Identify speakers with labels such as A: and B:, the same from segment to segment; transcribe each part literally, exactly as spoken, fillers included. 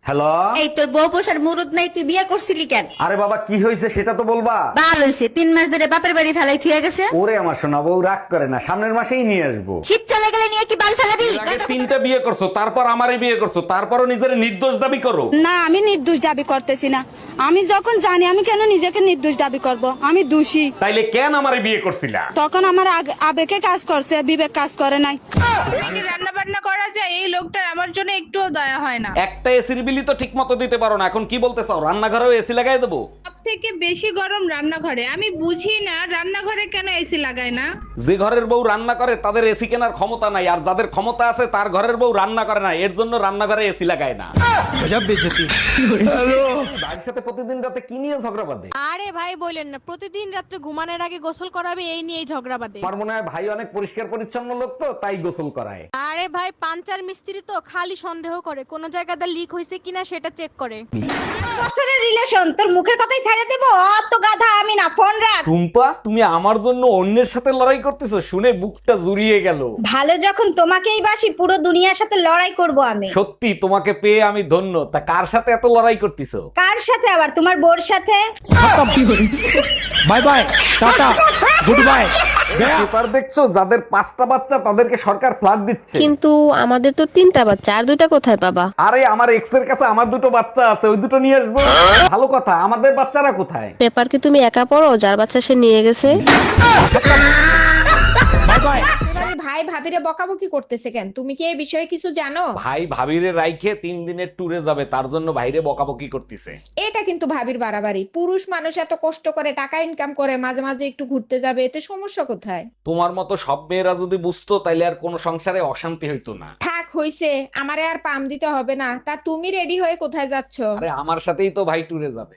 A: Hello.
B: এই তোর বউ পোষার মুরুদ নাই, তুই বিয়ে করছিলি কেন?
A: আরে বাবা, কি হয়েছে সেটা তো বলবা।
B: বাল হইছে, তিন মাস ধরে বাপের বাড়ি ফেলাই থুয়ে গেছে।
A: ওরে আমার সোনা বউ, রাগ করে না, সামনের মাসেই নিয়ে আসবো।
B: শীত চলে গেলে নিয়ে কি বাল ফেলাবি?
A: আগে তিনটা বিয়ে করছো, তারপর আমারই বিয়ে করছো, তারপরও নিজের নির্দোষ দাবি করো।
C: না, আমি নির্দোষ দাবি করতেছি না। আমি যখন জানি, আমি কেন নিজেকে নির্দোষ দাবি করব? আমি দোষী।
A: তাইলে কেন আমারে বিয়ে করছিলা?
C: তখন আমার আগ- আবেগে কাজ করছে, বিবেক কাজ করে নাই।
D: রান্না বান্না করা যায়, এই লোকটার আমার জন্য একটুও দয়া হয় না।
A: একটা এসির বিলি তো ঠিক মতো দিতে পারো না, এখন কি বলতে চাও রান্নাঘরেও এসি লাগাই দেবো?
D: সব থেকে বেশি গরম রান্নাঘরে। আমি বুঝি না রান্নাঘরে কেন এসি লাগায় না।
A: যে ঘরের বউ রান্না করে তাদের এসি কেনার ক্ষমতা নাই, আর যাদের ক্ষমতা আছে তার ঘরের বউ রান্না করে না, এর জন্য রান্নাঘরে এসি লাগায় না। ভাইয়ের সাথে প্রতিদিন রাতে কি নিয়ে ঝগড়া বাঁধে?
E: আরে ভাই বলেন না, প্রতিদিন রাত্রে ঘুমানোর আগে গোসল করাবে, এই নিয়েই ঝগড়া বাঁধে।
A: আমার মনে হয় ভাই অনেক পরিষ্কার পরিচ্ছন্ন লোক, তো তাই গোসল করায়।
E: আরে ভাই পাঞ্চার মিস্ত্রি তো খালি সন্দেহ করে কোন জায়গাটা লিক হয়েছে কিনা সেটা চেক করে।
B: বছরের রিলেশন, তোর মুখের কথাই ছেড়ে দেবো? অত গাধা আমি না, ফোন রাখ।
A: টুম্পা, তুমি আমার জন্য অন্যের সাথে লড়াই করতেছো শুনে বুকটা জুড়িয়ে গেল।
B: ভালো যখন তোমাকেই বাসি, পুরো দুনিয়ার সাথে লড়াই করব আমি।
A: সত্যি তোমাকে পেয়ে আমি ধন্য। তা কার সাথে এত লড়াই করতেছো?
B: কার সাথে আবার? তোমার বোর সাথে।
F: Bye bye, tata, good bye.
A: Paper দেখছো, যাদের পাঁচটা বাচ্চা তাদেরকে সরকার ফ্ল্যাট দিচ্ছে।
G: কিন্তু আমাদের তো তিনটা বাচ্চা, আর দুইটা কোথায় পাবা?
A: আরে আমার এক্স এর কাছে আমার দুটো বাচ্চা আছে, ওই দুটো নিয়ে আসবো। ভালো কথা, আমাদের বাচ্চারা কোথায়?
G: পেপার কি তুমি একা পড়ো? যার বাচ্চা সে নিয়ে গেছে।
F: Bye bye.
H: এবারে ভাই ভাবিরে বকাবকি করতেছে কেন? তুমি কি এই বিষয়ে কিছু জানো?
A: ভাই ভাবিরে রাইখে তিন দিনের ট্যুরে যাবে, তার জন্য ভাইরে বকাবকি করতেছে।
H: এটা কিন্তু ভাবির বাড়াবাড়ি। পুরুষ মানুষ এত কষ্ট করে টাকা ইনকাম করে, মাঝে মাঝে একটু ঘুরতে যাবে, এতে সমস্যা কোথায়?
A: তোমার মতো সব মেয়েরা যদি বুঝতো তাইলে আর কোনো সংসারে অশান্তি হইতো না।
H: থাক হইছে, আমারে আর পাম দিতে হবে না। তা তুমি রেডি হয়ে কোথায় যাচ্ছ?
A: আরে আমার সাথেই তো ভাই ট্যুরে যাবে।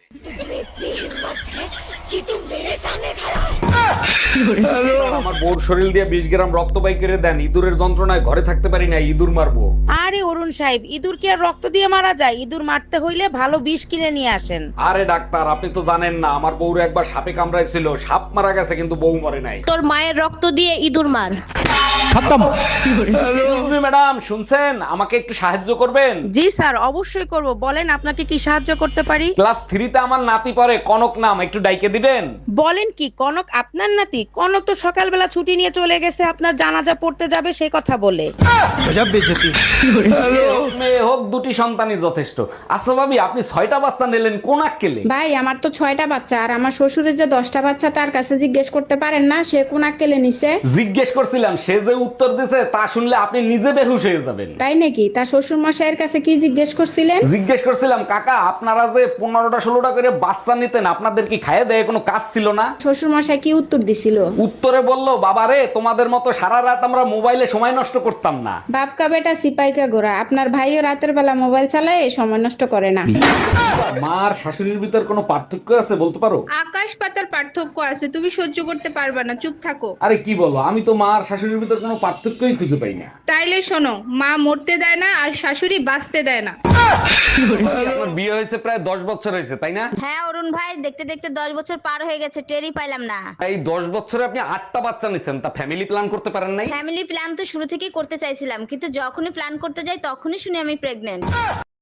A: আমার বোর শরীর দিয়ে বিশ গ্রাম রক্ত বাই করে দেন, ইঁদুরের যন্ত্রণায় ঘরে থাকতে পারি না, ইঁদুর মারবো।
I: আরে অরুণ সাহেব, ইঁদুর কি আর রক্ত দিয়ে মারা যায়? ইঁদুর মারতে হইলে ভালো বিষ কিনে নিয়ে আসেন।
A: আরে ডাক্তার, আপনি তো জানেন না, আমার বউর একবার সাপে কামড়াইছিল, সাপ মারা গেছে কিন্তু বউ মরে নাই।
G: তোর মায়ের রক্ত দিয়ে ইঁদুর মার।
F: খতম।
A: ম্যাডাম শুনছেন, আমাকে একটু সাহায্য করবেন?
I: জি স্যার, অবশ্যই করব। বলেন আপনাকে কি সাহায্য করতে পারি?
A: ক্লাস থ্রিতে আমার নাতি পড়ে, কনক নাম, একটু ডাইকে দিবেন?
I: বলেন কি, কনক আপনার নাতি? কনক তো সকালবেলা ছুটি নিয়ে চলে গেছে আপনার জানাজা পড়তে যাবে সেই কথা বলে।
F: গজব বেইজ্জতি।
A: মেয়ে হোক দুটি সন্তানই যথেষ্ট। আচ্ছা ভাবি, আপনি ছয়টা বাচ্চা নিলেন কোন আক্কেলে?
H: ভাই আমার তো ছয়টা বাচ্চা, আর আমার শ্বশুরের যে দশটা বাচ্চা, তার কাছে জিজ্ঞেস করতে পারেন না সে কোন আক্কেলে নিছে?
A: জিজ্ঞেস করছিলাম, সে যে উত্তর দিছে তা শুনলে আপনি নিজে বেহুশ হয়ে যাবেন।
H: তাই নাকি? তার শ্বশুর মশাইয়ের কাছে কি জিজ্ঞেস করছিলেন?
A: জিজ্ঞেস করছিলাম, কাকা আপনারা যে পনেরোটা ষোলোটা করে বাচ্চা নিতেন, আপনাদের কি খাইয়ে দেয় কোনো কাজ ছিল না?
H: শ্বশুর মশাই কি উত্তর দিছিল?
A: উত্তরে বললো, বাবা রে, তোমাদের মতো সারা রাত আমরা মোবাইলে সময় নষ্ট করতাম না।
H: বাপকা বেটা সিপাইকা গোরা, আপনার ভাইও রাতের বেলা মোবাইল চালায়, সময় নষ্ট করে না।
A: মার শাশুড়ির ভিতর কোনো পার্থক্য আছে বলতে পারো?
D: আকাশ পাতার পার্থক্য আছে, তুমি সহ্য করতে পারবে না, চুপ থাকো।
A: আরে কি বলো, আমি তো মার শাশুড়ির ভিতর কোনো পার্থক্যই খুঁজে পাই না।
D: তাইলে শোনো, মা মরতে দেয় না আর শাশুড়ি বাঁচতে দেয় না।
A: আপনার বিয়ে হয়েছে প্রায় দশ বছর হয়েছে, তাই না?
B: হ্যাঁ অরুণ ভাই, দেখতে দেখতে দশ বছর পার হয়ে গেছে, টেরই পাইলাম না।
A: এই দশ বছরে আপনি আটটা বাচ্চা নিচ্ছেন, তা ফ্যামিলি প্ল্যান করতে পারেন নাই?
B: ফ্যামিলি প্ল্যান তো শুরু থেকেই করতে চাইছিলাম, কিন্তু যখনই প্ল্যান করতে যাই তখনই শুনি আমি প্রেগনেন্ট।